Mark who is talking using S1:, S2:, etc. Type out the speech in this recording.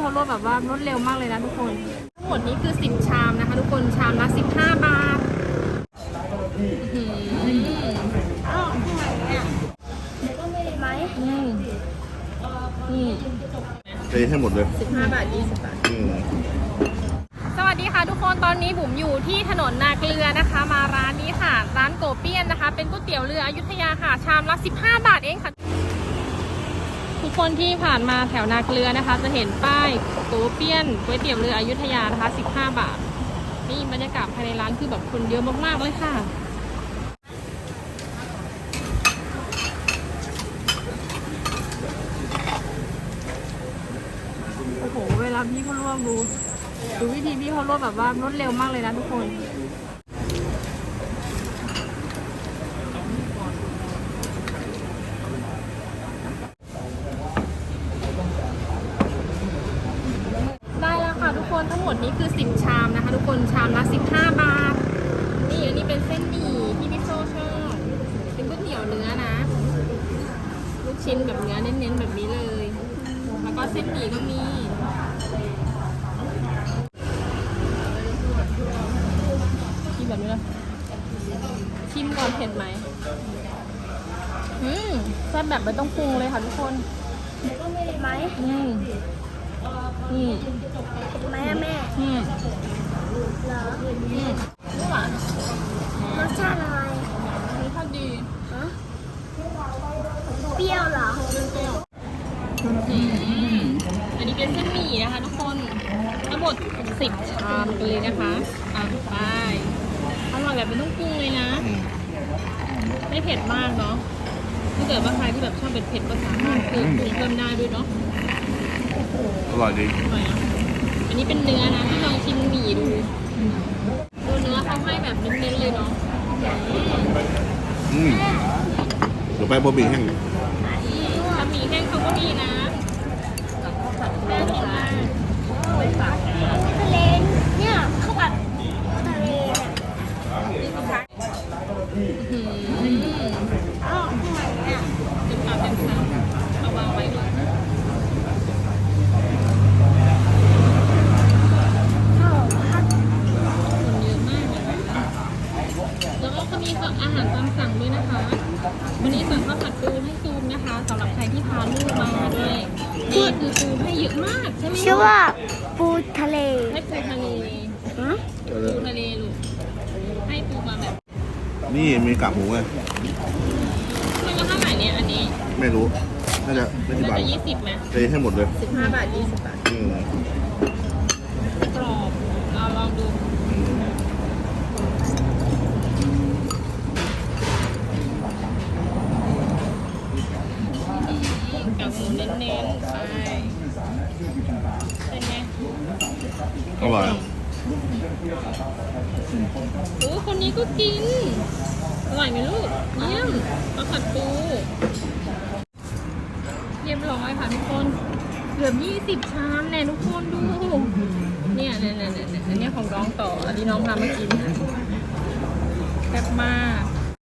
S1: เขารวดแบบว่ารวดเร็วมากเลยนะทุกคนทั้งหมดนี้คือ10ชามนะคะทุกคนชามละ15 บาท
S2: อ้าวทำไมเนี่ยก็ไม่ได้ไหม
S3: เทให้หมดเลย
S1: 15 บาท20 บาทสวัสดีค่ะทุกคนตอนนี้บุ๋มอยู่ที่ถนนนาเกลือนะคะมาร้านนี้ค่ะร้านโกเปี้ยนนะคะเป็นก๋วยเตี๋ยวเรืออยุธยาค่ะชามละ15 บาทเองค่ะทุกคนที่ผ่านมาแถวนาเกลือนะคะจะเห็นป้ายโกเปี้ยนก๋วยเตี๋ยวเรืออยุธยานะคะ15 บาทนี่บรรยากาศภายในร้านคือแบบคนเยอะมากๆเลยค่ะโอ้โหเวลาพี่เขาลวกดูวิธีพี่เขาลวกแบบว่ารวดเร็วมากเลยนะทุกคนได้แล้วค่ะทุกคนทั้งหมดนี้คือ10ชามนะคะทุกคนชามละ15 บาทนี่อันนี้เป็นเส้นหมี่ที่พี่โซ่ชอบเป็นก๋วยเตี๋ยวเนื้อนะลูกชิ้นแบบเนื้อเน้นๆแบบนี้เลยแล้วก็เส้นหมี่ก็มีกินแบบนี้เลยชิมก่อนเผ็ดไหมแซ่บแบบไม่ต้องปรุงเลยค่ะทุกคน
S2: ก็ไม่ได้ไหมไหมอะแม่เหรอ
S1: ไม่หวาน
S2: รสชาติอะไร
S1: รสชาติดี
S2: เปรี้ยวเหรอ
S1: อันนี้เป็นเส้นหมี่นะคะทุกคนทั้งหมด10ชามกันเลยนะคะไปอร่อยแบบไม่ต้องปรุงเลยนะไม่เผ็ดมากเนาะถ้าเกิดว่าใครที่แบบชอบเผ็ดก็สามารถเพิ่มได้ด้วยเนาะ
S3: อร่อยดี
S1: อร่อยนะอันนี้เป็นเนื้อนะที่ลองชิมหมี่ดูเนื้อเขาให้แบบเน้นๆเลยเนาะ
S3: เดี๋ยวไปบะหมี่แห้ง
S1: บะหมี่แห้งเขาก็มีนะน่ากินมาก
S2: ทะเลเนี่ยข้าวผัดทะเลอ้าวทำไมเนี่ย
S1: เต็มคำเอาวางไว้เลย
S2: ข้าวผัด
S1: คนเยอะมากเลยแล้วก็มีอาหารตามสั่งด้วยนะคะวันนี้สั่งข้าวผัดปูให้ซูมนะคะสำหรับใครที่พาลูกมาด้วยนี่คือปูให้เยอะมากใช่ไหม
S2: ชื่อว่าปูทะเล
S1: ให้ปูทะเลปูทะเลลูกให้ปูมาแบบ
S3: นี่มีกากหมูไง
S1: มันก็เท่าไหร่เนี่ยอันนี้
S3: ไม่รู้น่าจะ20 บาท
S1: 20ไหม
S3: เทให้หมดเลย
S1: 15 บาท20 บาทกรอบเราลองดูกับหมูเน้นๆไปเป็นไง
S3: อร่อย
S1: คนนี้ก็กินอร่อยไหมลูกเยี่ยมข้าวผัดปูเรียบร้อยค่ะทุกคนเกือบ20ชามแน่ทุกคนดูเนี่ยอันนี้ของน้องต่ออันนี้น้องทำมากินแซ่บมาก